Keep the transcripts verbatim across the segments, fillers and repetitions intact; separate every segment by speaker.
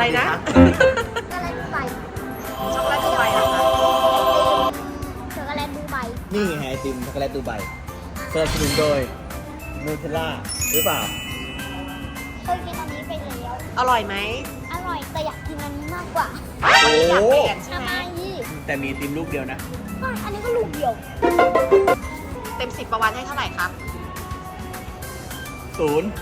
Speaker 1: อะไรนะ
Speaker 2: ช็อกโกแลตดูไบ
Speaker 1: ช็อกโกแลตดูไบเหรอคะ
Speaker 2: ช็อกโกแลตดูไบ
Speaker 3: นี่ไงไอติมช็อกโกแลตดูไบสนับสนุนโดยนูเทลล่าหรือเปล่า
Speaker 2: เคยกินอันนี้ไปแล้ว
Speaker 1: อร่อยไหม
Speaker 2: อร่อยแต่อยากกินอันนี้มากกว่า
Speaker 1: วันนี้อยากเปลี่ยนใช่
Speaker 2: ทำ
Speaker 1: ไห
Speaker 2: ไม
Speaker 1: ม
Speaker 2: ยี่
Speaker 3: แต่มีไอติมลูกเดียวนะ
Speaker 2: ไม่อันนี้ก็ลูกเดียว
Speaker 1: เต็มสิบประวันให้เท่าไหร่ครับ
Speaker 3: ศูนย์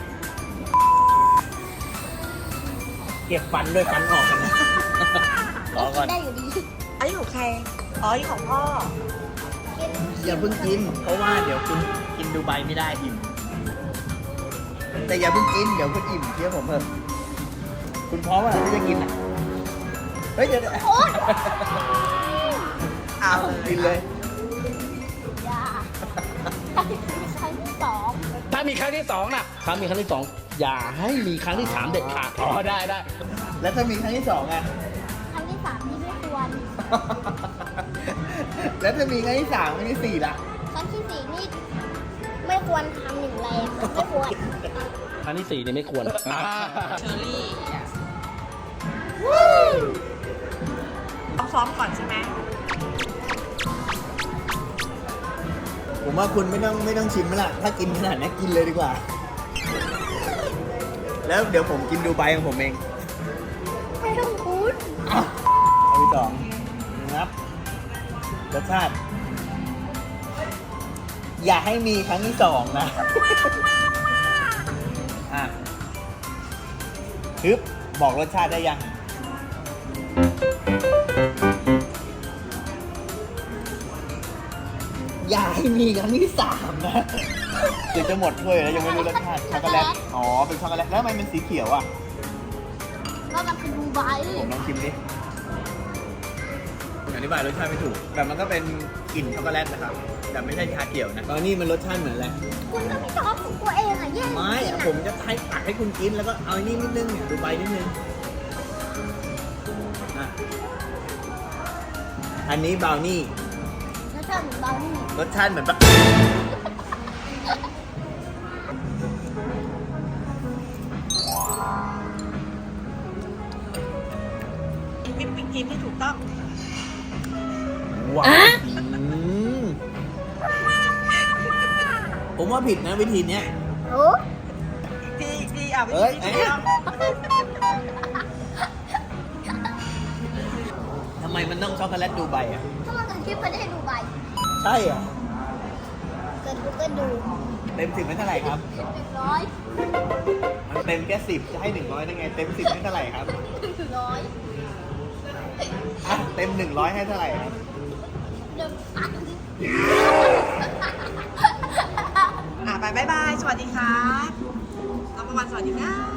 Speaker 3: เก็บฟันด้วยฟันออกกันนะรอก่อน
Speaker 2: ได้อยู่ดี
Speaker 1: อันนี้ของใคร อ๋ออันนี้ของพ่อ
Speaker 2: กิน
Speaker 3: อย่าเพิ่งกิน เพราะว่าเดี๋ยวคุณกินดูไบไม่ได้อิ่ม แต่อย่าเพิ่งกิน เดี๋ยวคุณอิ่มเชื่อผมเพิ่มคุณพร้อมอ่ะที่จะกินอ่ะ เฮ้ยเดี๋ยวเดี๋ยว
Speaker 2: โอ๊ย
Speaker 1: เอาเลย
Speaker 3: กินเลย
Speaker 2: อย่าครั้งที่สอง
Speaker 4: ถ้ามีครั้งที่สองนะถ้ามีครั้งที่สองอย่าให้มีครั้งที่สามเด็ดขาดอ๋อได้ได้
Speaker 3: แล้วถ้ามีครั้งที่สองอ่ะ
Speaker 2: ครั้งที่สามนี่ไม่ควร
Speaker 3: แล้วถ้ามีครั้งที่สามครั้งที่สี่ล่ะ
Speaker 2: ครั้งที่สี่นี่ไม่ควรทำหนึ่งแรงไม่ควร
Speaker 4: ครั้งที่สี่นี่ไม่ควร
Speaker 1: เชอรี่ต้องซ้อมก่อนใช่ไหม
Speaker 3: ผมว่าคุณไม่ต้องไม่ต้องชิมแล้วล่ะ ถ้ากินขนาดนี้กินเลยดีกว่า แล้วเดี๋ยวผมกินดูไบของผมเอง
Speaker 2: ไม่ต้องคุ้น
Speaker 3: เอาไปสองนะครับรสชาติ อย่าให้มีครั้งที่สองนะ อ่ะฮึบบอกรสชาติได้ยัง อย่าให้มีครั้งที่สามนะเดี๋ยวจะหมดถ้วยแล้วยังไม่รู้รสชาติช็อกโกแลต อ๋อ เป็นช็อกโกแลต แล้วทำไมมันสีเขียวอ่ะ
Speaker 2: ก็มันคือดูไบ
Speaker 3: ผมลองชิมดิอธิบายรสชาติไม่ถูก แต่มันก็เป็นกลิ่นช็อกโกแลตนะครับ แต่ไม่ใช่ชาเขียวนะตอนนี้มันรสชาติเหมือนอะไร
Speaker 2: คุณต้องมีชอบของตัวเองอ่ะแย่ง
Speaker 3: ไม่อะผมจะให้ตักให้คุณกินแล้วก็เอาไอ้นี่นิดนึงเนี่ยดูใบนิดนึงอ่ะอันนี้บราวนี่
Speaker 2: แล้วชอบเหมือนเบานี่
Speaker 3: รสชาติเหมือนแบบ
Speaker 1: วิปปิ้งครีมที่ถูกต้อง
Speaker 3: หวานอืมผมว่าผิดนะวิธีเนี้ย
Speaker 2: โอ้
Speaker 1: ดีดีอ่ะวิ
Speaker 3: เอ้ย
Speaker 1: ปปิ้งครีม
Speaker 3: ทำไมมันต้องช็อกโกแลตดูใบอ่ะ
Speaker 2: ถ้ามันเกิดคลิปไปได้ดูไบ
Speaker 3: ใช่เหรอ
Speaker 2: เกิดกูก็ดู
Speaker 3: เต็มสิบไม่เท่าไหร่ครับ
Speaker 2: หนึ่งร้อย
Speaker 3: มันเต็มแค่สิบจะให้หนึ่งร้อยได้ไง เต็มสิบให้เท่าไหร่ครับ
Speaker 2: หนึ่งร้อย
Speaker 3: อ่ะเต็มหนึ่งร้อยให้เท่าไหร่ครับ
Speaker 2: หนึ่งพัน
Speaker 1: อ่ะไปบ๊ายบาย สวัสดีครับน้องประวันสวัสดีครับ